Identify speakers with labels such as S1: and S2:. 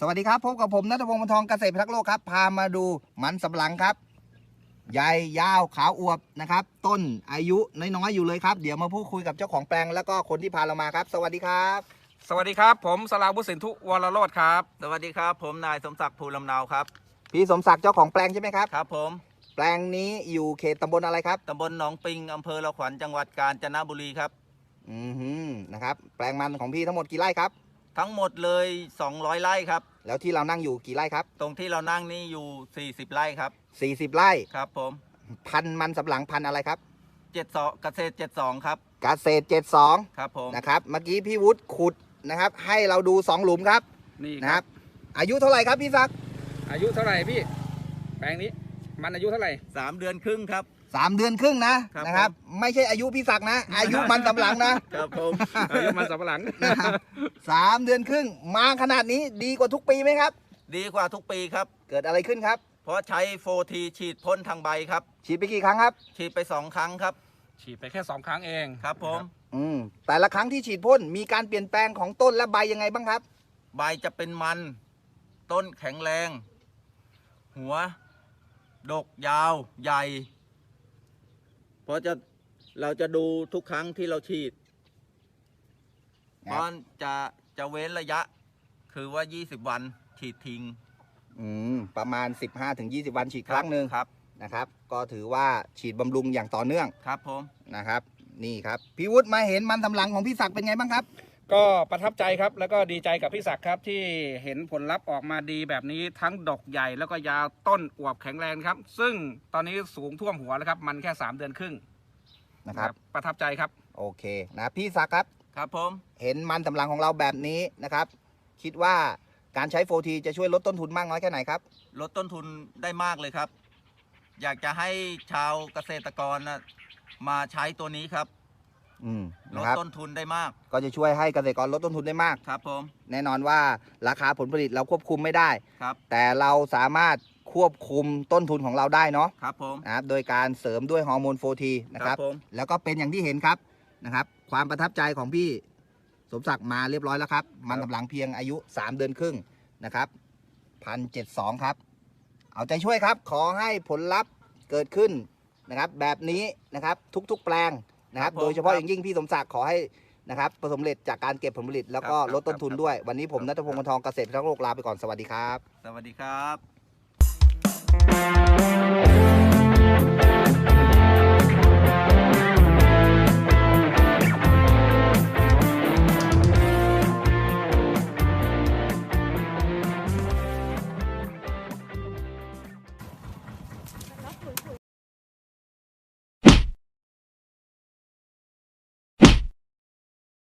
S1: สวัสดีครับพบกับผมณัฐพงศ์ วรรณทองเกษตรพิทักษ์โลกครับพามาดูมันสำปะหลังครับใหญ่ยาวขาวอวบนะครับต้นอายุน้อยๆอยู่เลยครับเดี๋ยวมาพูดคุยกับเจ้าของแปลงแล้วก็คนที่พาเรามาครับสวัสดีครับ
S2: สวัสดีครับผมสราวุฒิสินธุวรโรจน์ครับ
S3: สวัสดีครับผมนายสมศักดิ์ภูลำเนาครับ
S1: พี่สมศักดิ์เจ้าของแปลงใช่ไหมครับ
S3: ครับผม
S1: แปลงนี้อยู่เขตตำบลอะไรครับ
S3: ตำบลหนองปิงอำเภอละขวัญจังหวัดกาญจนบุรีครับ
S1: นะครับแปลงมันของพี่ทั้งหมดกี่ไร่ครับ
S3: ทั้งหมดเลย200 ไร่ครับ
S1: แล้วที่เรานั่งอยู่กี่ไร่ครับ
S3: ตรงที่เรานั่งนี่อยู่40 ไร่ครับ
S1: 40 ไร่
S3: ครับผม
S1: พันธุ์มันสำปะหลังพันธุ์อะไรครับ
S3: 72เกษตร72ครับ
S1: เกษตร72
S3: ครับผม
S1: นะครับเมื่อกี้พี่วุฒิขุดนะครับให้เราดู2หลุมครับ
S2: นี่
S1: นะครับอายุเท่าไหร่ครับพี่ศักดิ์
S2: อายุเท่าไหร่พี่แปลงนี้มันอายุเท่าไหร่
S3: 3 เดือนครึ่งครับ
S1: 3 เดือนครึ่งนะครับไม่ใช่อายุพี่ศักดิ์นะอายุมันสำปะหลังนะครับ
S3: ผม
S2: อายุมันสำปะหลัง
S1: 3 เดือนครึ่งมาขนาดนี้ดีกว่าทุกปีไหมครับ
S3: ดีกว่าทุกปีครับ
S1: เกิดอะไรขึ้นครับ
S3: เพราะใช้โฟทีฉีดพ่นทางใบครับ
S1: ฉีดไปกี่ครั้งครับ
S3: ฉีดไป2 ครั้งครับ
S2: ฉีดไปแค่2 ครั้งเอง
S3: ครับผม
S1: แต่ละครั้งที่ฉีดพ่นมีการเปลี่ยนแปลงของต้นและใบยังไงบ้างครับ
S3: ใบจะเป็นมันต้นแข็งแรงหัวดกยาวใหญ่เพราะเราจะดูทุกครั้งที่เราฉีดเพราะจะเว้นระยะคือว่า20 วันฉีดทิ้ง
S1: ประมาณ 15-20 วันฉีดครั้งหนึ่ง
S3: ครับ
S1: นะครับก็ถือว่าฉีดบำรุงอย่างต่อเนื่อง
S3: ครับผม
S1: นะครับนี่ครับพี่วุฒิมาเห็นมันสำปะหลังของพี่ศักดิ์เป็นไงบ้างครับ
S2: ก็ประทับใจครับแล้วก็ดีใจกับพี่ศักดิ์ครับที่เห็นผลลัพธ์ออกมาดีแบบนี้ทั้งดอกใหญ่แล้วก็ยาวต้นอวบแข็งแรงครับซึ่งตอนนี้สูงท่วมหัวแล้วครับมันแค่3 เดือนครึ่ง
S1: นะครับ
S2: ประทับใจครับ
S1: โอเคนะพี่ศักดิ์ครับ
S3: ครับผม
S1: เห็นมันสำปะหลังของเราแบบนี้นะครับคิดว่าการใช้โฟทีจะช่วยลดต้นทุนมากน้อยแค่ไหนครับ
S3: ลดต้นทุนได้มากเลยครับอยากจะให้ชาวเกษตรกรมาใช้ตัวนี้ครับลดต้นทุนได้มาก
S1: ก็จะช่วยให้เกษตรกรลดต้นทุนได้มาก
S3: ครับผม
S1: แน่นอนว่าราคาผลผลิตเราควบคุมไม่ได้
S3: ครับ
S1: แต่เราสามารถควบคุมต้นทุนของเราได้เนาะ
S3: ครับผม
S1: นะครับโดยการเสริมด้วยฮอร์โมนโฟทีนะครับแล้วก็เป็นอย่างที่เห็นครับนะครับความประทับใจของพี่สมศักดิ์มาเรียบร้อยแล้วครับมันสำปะหลังเพียงอายุ3 เดือนครึ่งนะครับ1,072ครับเอาใจช่วยครับขอให้ผลลัพธ์เกิดขึ้นนะครับแบบนี้นะครับทุกๆแปลงนะครับโดยเฉพาะอย่างยิ่งพี่สมศักดิ์ขอให้นะครับประสบผลสำเร็จจากการเก็บผลผลิตแล้วก็ลดต้นทุนด้วยวันนี้ผมณัฐพงศ์ วรรณทองเกษตรพิทักษ์โลกลาไปก่อนสวัสดีครับ
S3: สวัสดีครับ